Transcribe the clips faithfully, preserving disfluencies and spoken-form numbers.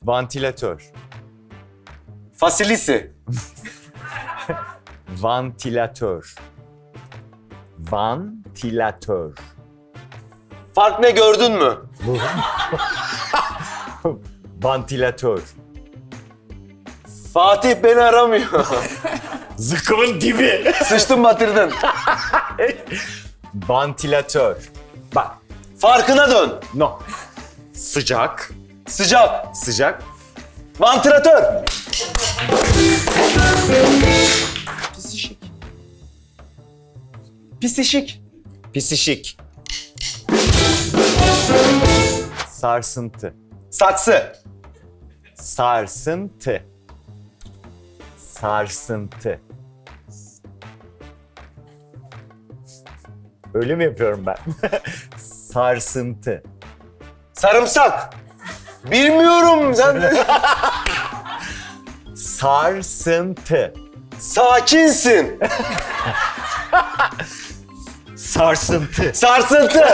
Vantilatör. Fasilisi. Vantilatör. Vantilatör. Fark ne gördün mü? Vantilatör. Fatih beni aramıyor. Zıkkımın dibi. Sıçtın batırdın. Vantilatör. Bak. Farkına dön. No. Sıcak. Sıcak. Sıcak. Vantilatör. Pisişik. Pisişik. Pisişik. Sarsıntı. Saksı. Sarsıntı. Sarsıntı. Öyle mi yapıyorum ben? Sarsıntı. Sarımsak. Bilmiyorum sen. Sarsıntı. Sakinsin. Sarsıntı. Sarsıntı.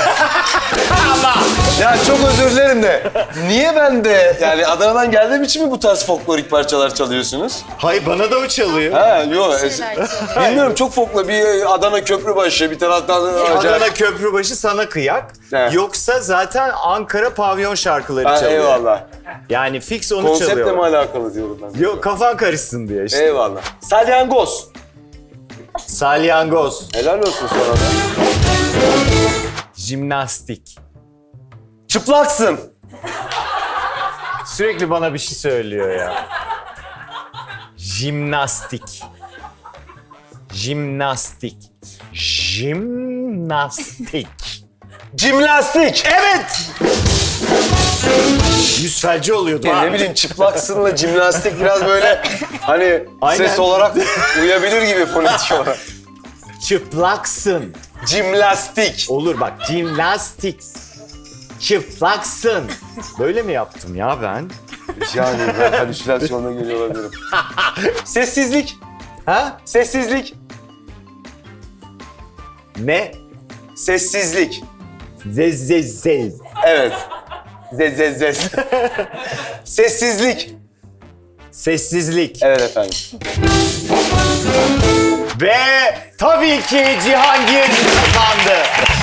Ya çok özür dilerim de. Niye ben de yani Adana'dan geldiğim için mi bu tarz folklorik parçalar çalıyorsunuz? Hayır, bana da o çalıyor. Ha yok. Şeyler çalıyor. Bilmiyorum, çok folklo. Bir Adana Köprübaşı, bir taraftan Adana Köprübaşı sana kıyak. Evet. Yoksa zaten Ankara pavyon şarkıları Ha, çalıyor. eyvallah. Yani fix onu Konseptle çalıyor. mi alakalı diyorum ben. Yok, kafan karışsın diye işte. Eyvallah. Salyangoz. Salyangoz. Helal olsun sana da. Jimnastik. Çıplaksın. Sürekli bana bir şey söylüyor ya. Jimnastik. Jimnastik. Jimnastik. Cimnastik. Evet. Yüz felci oluyordu Ya ha. ne bileyim, çıplaksınla cimnastik biraz böyle hani Aynen. ses olarak uyabilir gibi fonetik olarak. Çıplaksın. Cimnastik. Olur bak, jimnastik. Çıplaksın. Böyle mi yaptım ya ben? Yani ben halüsinasyonla geliyor olabilirim. Sessizlik. Ha? Sessizlik. Ne? Sessizlik. Zez zez zez. Evet. Zez zez zez. Sessizlik. Sessizlik. Evet efendim. Ve tabii ki Cihangir kazandı.